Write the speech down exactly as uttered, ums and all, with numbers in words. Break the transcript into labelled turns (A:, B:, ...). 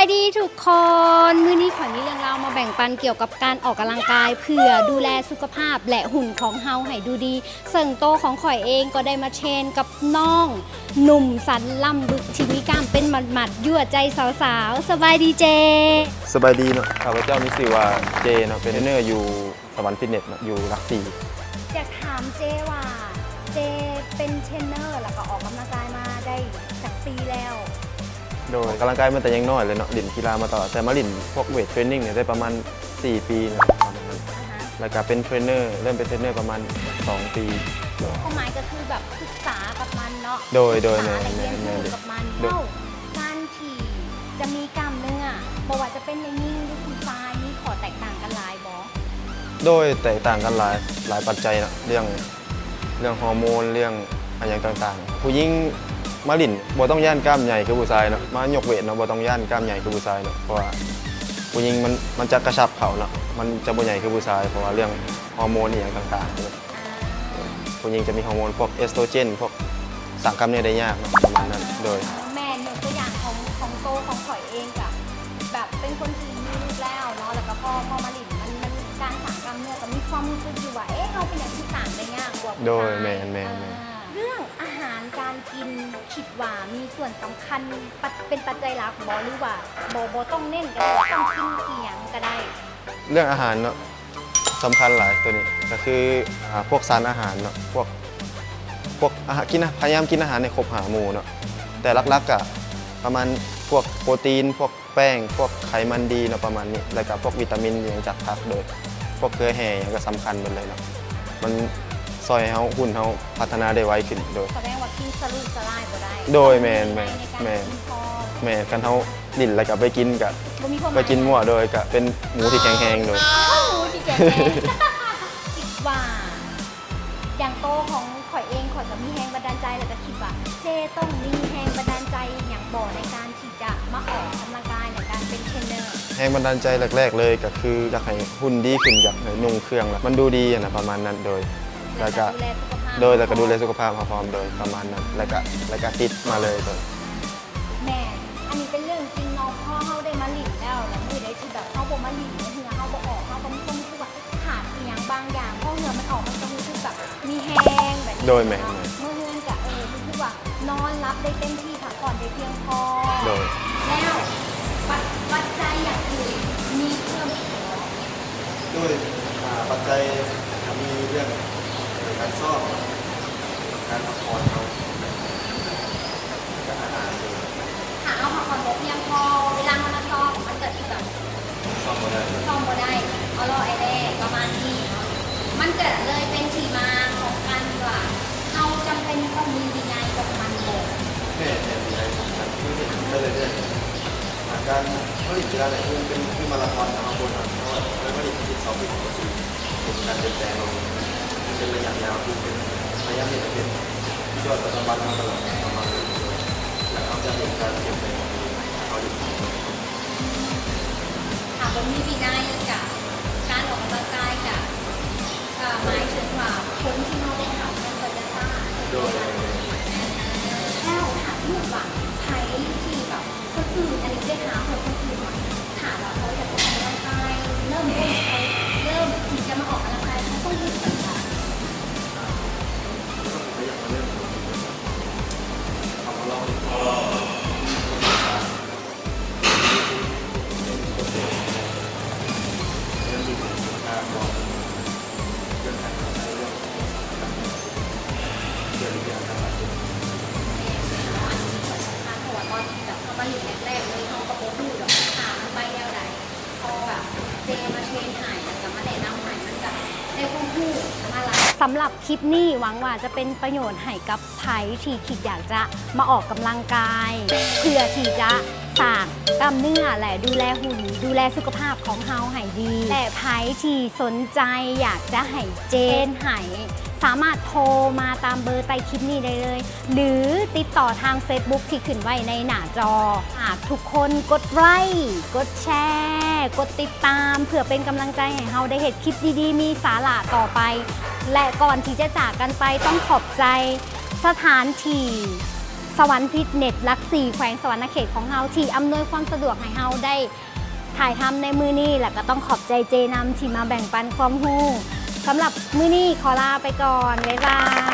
A: ายดีทุกคนมื้อนี้ขอมีเรื่องราวมาแบ่งปันเกี่ยวกับการออกกำลังกายเพื่อดูแลสุขภาพและหุ่นของเฮาให้ดูดีเสิ่งโตของข่อยเองก็ได้มาเชนกับน้องหนุ่มสันล่ำบึกที่มีกล้ามเป็นหมัดๆยั่วใจสาวๆสบายดีเจ
B: สบายดีเนาะข้าพเจ้ามีชื่อว่าเจเนาะเป็นเทรนเนอร์อยู่สวรรค์ฟิตเนสเนาะอยู่หลักสี่
A: อยากถามเจว่าเจเป็นเทรนเนอร์แล้วก็ออกกำลังกายมาได้สักปีแล้ว
B: โดยกำลังกายมาแต่ยังน้อยเลยเนาะลิ่นกีฬามาตลอดแต่มาลิ่นพวกเวทเทรนนิ่งเนี่ยได้ประมาณสี่ปีเนาะประมาณนั้นแล้วก็เป็นเทรนเนอร์เริ่มเป็นเทรนเนอร์ประมาณสองปี
A: ความหมายก็คือแบบศึกษากับมันเนาะ
B: โดยโดย
A: ศึกษา
B: แม่
A: และเรียน
B: แม่
A: รู้
B: แม่
A: กับมัน
B: โดย
A: เท่าการที่จะมีกล้ามเนื้อบอกว่าจะเป็นในยิ่งหรือคุณชายมีขอแตกต่างกันหลายบอ
B: โดยแตกต่างกันหลายหลายปัจจัยเนาะเรื่องเรื่องฮอร์โมนเรื่องอะไรอย่างต่างๆ ผู้หญิงมาลิ่นบ่ต้องย่านกล้ามใหญ่คือผู้ชายเนาะมายกเวทเนาะบ่ต้องย่านกล้ามใหญ่คือผู้ชายเนาะเพราะว่าผู้หญิงมันมันจะกระชับเขาเนาะมันจะบ่ใหญ่คือผู้ชายเพราะว่าเรื่องฮอร์โมนอย่างต่างๆเนี่ยผู้หญิงจะมีฮอร์โมนพวกเอสโตรเจนพวกสร้างกล้ามเนื้อได้ยากเนาะประมาณนั้นโดย
A: แม่เนี่ยตัวอย่างของของโตของข่อยเองกับแบบเป็นคนที่มีลูกแล้วเนาะแล้วก็พอพอมาหลินมันมันการสั่งกล้ามเนื้อก็มีความรู้สึกอยู่ว่าเอ๊ะเราเป็นอย่างที่ต่างได้ยากกว่าผู้ชาย
B: โดยแม่นแม่น
A: อ่าเรื่องอาหารการกินคิดว่ามีส่วนสำคัญปัจเป็นปัจจัยหลักบอหรือว่าบอบอต้องเน้นกันต้องกินเอียงก็ได้
B: เรื่องอาหารเนาะสำคัญหลายตัวนี้ก็คืออ่าพวกสารอาหารเนาะพวกพวกอาหารกินนะพยายามกินอาหารในครบห้าหมู่เนาะแต่ลักๆก็ประมาณพวกโปรตีน พวกแป้ง พวกไขมันดีเนาะประมาณนี้แล้วก็พวกวิตามินอย่างจากผักโดย พวกเกลือแห่อย่างก็สำคัญหมดเลยเนาะมันซอยให้เฮาหุ่นเฮาพัฒนาได้ไวขึ้นโดย
A: แสดงว่ากินสลูสลายก็ได้
B: โดยแม่นแม่น
A: ในการ
B: แม่น
A: กินพอ
B: แม่กันเฮาดิ่นแล้วก็ไปกินกับ
A: บ่มีความห
B: ไป
A: มาย
B: กินมั่วโดยก็เป็นหมูที่แข็งแรงโดย
A: อ้าวหมูที่แกงแห้งคิดว่า อย่างโตของข่อยเองข่อยก็มีแรงบันดาลใจแล้วก็คิดว่าเจต้องมีแรงบันดาลใจอย่างบ่ในการที่จะมาออกกำลังกายในการเป็นเทรนเนอร์
B: แรงบันดาลใจแรกๆเลยก็คืออยากให้หุ่นดีขึ้นอยากให้นุ่งเครื่องแล้วมันดูดีอะนะประมาณนั้นโดยแล้วก็
A: ดูแลสุขภาพ
B: โดยแล้วก็ดูแลสุขภาพพร้อมๆโดยประมาณนั้นแล้วก็แล้วก็ติดมาเลยโดย
A: แม่อันนี้เป็นเรื่องจริงเนาะพ่อเขาได้มาหลินแล้วแล้วมือได้ที่แบบเขาบ่มาหลินเหือเขาบ่ออกเขาก็มีความรู้สึกว่าขาดอหย่างบางอย่างเพราะเหงื่อมันออกมันจะรู้สึกแบบมีแห้งแบบนี้
B: โดยแม่
A: เนาะเมื่อเฮือนจะเออรู้สึกว่านอนรับได้เต็มที่พักผ่อนได้เพียงพอ
B: โดย
A: แล้วปัจปัจจัยอย่างอื่นมีเพิ่มอีกไหม
B: ด้วยปัจจัยมีเรื่องการซ่อมการพักผ่อนเขาการอาหาร
A: หาเอาพักผ่อนบ่เพียงพอเวลามันมาซ้อมมันเกิดที่แบบ
B: ซ่อมก็ได้
A: ซ่อมบ่ได้เอาล่อไอ้แรกประมาณนี้เนาะมันเกิดเลยเป็นที่มาของการว่าเราจำเป็นต้องมีวินัยกับมันเลย
B: แม่เนี่ยมีอะไรสำคัญคือเห็นได้เลยเนี่ยการผลิตกีฬาเนี่ยคือเป็นคือมาราธอนนะครับคนเพราะว่าผลิตที่สองปีก็คือเป็นการเปลี่ยนแปลงเราเป็นระยะยาวคือเป็นระยะที่จะเป็นยอดปัจจุบันมาตลอดประมาณนี้แล้วเขาจะเห็นการเปลี่ยนแปลงของเขาอยู่
A: หากว่ามีวินัยกับการออกกำลังกายกับอ่าหมายถึงว่าคนที่เราได้ทำมันก็จะสร้าง
B: โดย
A: แล้วถามลูกว่าใครที่แบบคนอื่นอันนี้ได้หาคนคนอื่นมาถามว่าเขาอยากออกกำลังกายเริ่มต้นเขาเริ่มที่จะมาออกกำลังกายเขาต้องรู้สึกแบบ ทางหัวตอนที่แบบเขามาอยู่แรกๆเลยเขาก็โป๊ดูแบบถามมันไปแนวไหนพอแบบเจมาเทรนหายแล้วก็มาแนะนำหายมันจะได้ความรู้มาละสำหรับคลิปนี้หวังว่าจะเป็นประโยชน์ให้กับไผ่ที่คิดอยากจะมาออกกำลังกาย เพื่อที่จะสร้างกล้ามเนื้อและดูแลหุ่นดูแลสุขภาพของเฮาให้ดีแต่ไผ่ที่สนใจอยากจะให้เจนให้สามารถโทรมาตามเบอร์ใต้คลิปนี้ได้เลย หรือติดต่อทาง Facebook ที่ขึ้นไว้ในหน้าจอหากทุกคนกดไลค์กดแชร์กดติดตามเพื่อเป็นกำลังใจให้เฮาได้เห็นคลิปดีๆ มีสาระต่อไป และก่อนที่จะจากกันไปต้องขอบใจสถานที่สวรรค์ฟิตเนสหลักสี่แขวงสวรรณเขตของเราที่อำนวยความสะดวกให้เราได้ถ่ายทำในมือนี้และก็ต้องขอบใจเจนำที่มาแบ่งปันความรู้สำหรับมื้อนี้ขอลาไปก่อนบ๊ายบาย